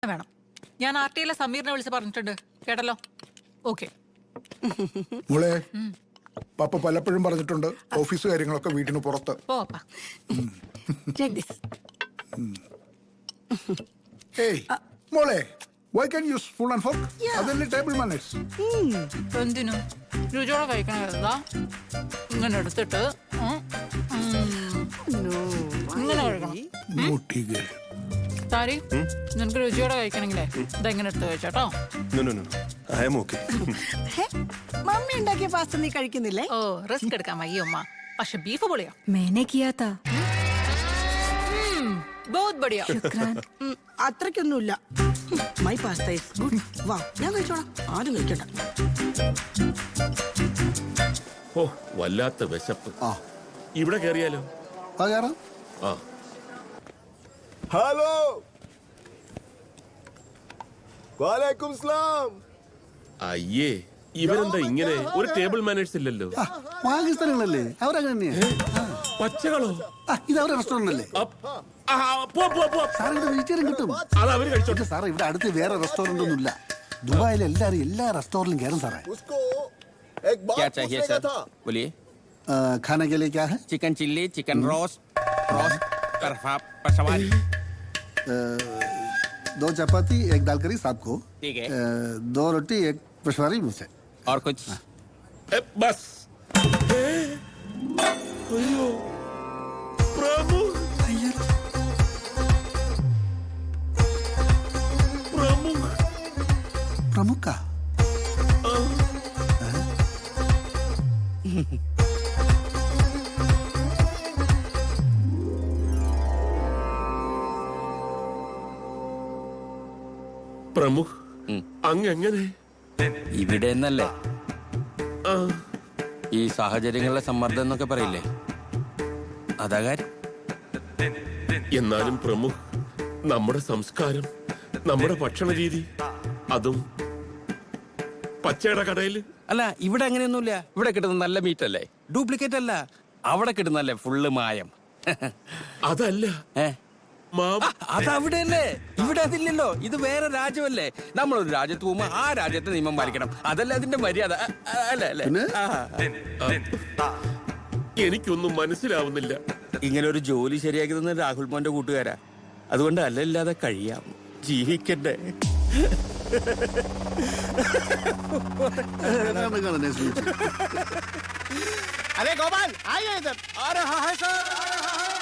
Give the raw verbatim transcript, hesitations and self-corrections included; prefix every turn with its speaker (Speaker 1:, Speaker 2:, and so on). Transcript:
Speaker 1: വേണം. ഞാൻ R T ഐയിലെ സമീറിനെ വിളിച്ച് പറഞ്ഞിട്ടുണ്ട്, കേട്ടല്ലോ. ഓക്കെ
Speaker 2: മോളെ, പപ്പ പലപ്പോഴും പറഞ്ഞിട്ടുണ്ട് ഓഫീസ് കാര്യങ്ങളൊക്കെ വീട്ടിന് പുറത്ത്. ഏയ് മോളെ, why can't you use spoon and fork? അതല്ലേ ടേബിൾ മാനേഴ്സ്.
Speaker 1: എന്തിനു രുചിയോടെ കഴിക്കണതാ? ഇങ്ങനെ എടുത്തിട്ട് ഇങ്ങനെ കഴിക്കണം. താരി, നിനക്ക് രുചിയോടെ കഴിക്കണെങ്കിലേ ഇതെങ്ങനെ എടുത്ത് കഴിച്ചോട്ടോ.
Speaker 3: മമ്മി ഉണ്ടാക്കിയ പാസ്ത നീ കഴിക്കുന്നില്ലേ?
Speaker 1: ഓ, റിസ്ക് എടുക്കാൻ വയ്യ ഉമ്മ, പക്ഷെ ബീഫ് പൊളിയോ.
Speaker 4: मैंने किया था.
Speaker 1: बहुत बढ़िया.
Speaker 3: അത്രയ്ക്കൊന്നുമില്ല. My pasta is good. വാ, ഞാൻ കഴിച്ചോളാം. ആരും കഴിക്കട്ടെ.
Speaker 5: ഓ, വല്ലാത്ത വിശപ്പ്. ഇവിടെ കേറിയാലോ? ആ,
Speaker 6: ഹലോ, വാലേക്കും സലാം.
Speaker 5: അയ്യേ, ഇവരെന്താ ഇങ്ങനെ? ഒരു ടേബിൾ മാനേഴ്സ് ഇല്ലല്ലോ.
Speaker 7: പാകിസ്ഥാനികളല്ലേ അവരങ്ങനെ.
Speaker 5: പച്ചകളോ?
Speaker 7: ഇത് അവരുടെ റെസ്റ്റോറന്റ് അല്ലേ?
Speaker 5: സാർ,
Speaker 7: ഇവിടെ വെജിറ്റേറിയൻ കിട്ടും.
Speaker 5: അത് അവര് കഴിച്ചോട്ടെ
Speaker 7: സാറേ, ഇവിടെ അടുത്ത് വേറെ റെസ്റ്റോറന്റ് ഒന്നും ഇല്ല. ദുബായിൽ എല്ലാരും എല്ലാ റെസ്റ്റോറന്റിലും കയറും സാറേ.
Speaker 6: क्या चाहिए सर? बोलिए.
Speaker 7: खाने के लिए क्या है?
Speaker 6: Chicken chilli, chicken roast, roast Peshawari.
Speaker 7: दो चपाती, एक दाल करी साहब को.
Speaker 6: ठीक है.
Speaker 7: दो रोटी, एक पेशवारी मुझसे.
Speaker 6: और कुछ?
Speaker 5: बस. अयो प्रभु, प्रमुख
Speaker 7: प्रमुख का
Speaker 5: പ്രമുഖ് അങ്ങനെ
Speaker 8: ഇവിടെ എന്നല്ലേ ഈ സാഹചര്യങ്ങളിലെ സമ്മർദ്ദം എന്നൊക്കെ പറയില്ലേ, അതാ കാര്യം.
Speaker 5: എന്നാലും പ്രമുഖ്, നമ്മുടെ സംസ്കാരം, നമ്മുടെ ഭക്ഷണ രീതി, അതും പച്ചയുടെ കടയില്.
Speaker 8: അല്ല, ഇവിടെ അങ്ങനെയൊന്നുമില്ല. ഇവിടെ കിട്ടുന്ന നല്ല മീറ്റ് അല്ലേ, ഡ്യൂപ്ലിക്കേറ്റ് അല്ല. അവിടെ കിട്ടുന്നല്ലേ ഫുള്ള് മായം.
Speaker 5: അതല്ല,
Speaker 8: ഏ അതവിടെ അല്ലേ, ഇവിടെ അതില്ലല്ലോ. ഇത് വേറെ രാജ്യമല്ലേ. നമ്മളൊരു രാജ്യത്ത് പോകുമ്പോ ആ രാജ്യത്തെ നിയമം പാലിക്കണം. അതല്ലേ അതിന്റെ മര്യാദ, അല്ലേ അല്ലേ?
Speaker 5: എനിക്കൊന്നും മനസ്സിലാവുന്നില്ല.
Speaker 8: ഇങ്ങനെ ഒരു ജോലി ശരിയാക്കി തന്ന രാഹുൽ മോന്റെ കൂട്ടുകാരാ. അതുകൊണ്ട് അല്ലല്ലാതെ കഴിയാം, ജീവിക്കണ്ടേ.
Speaker 6: अरे गोपाल, आइए इधर.
Speaker 8: आ रहा है सर, आ रहा है.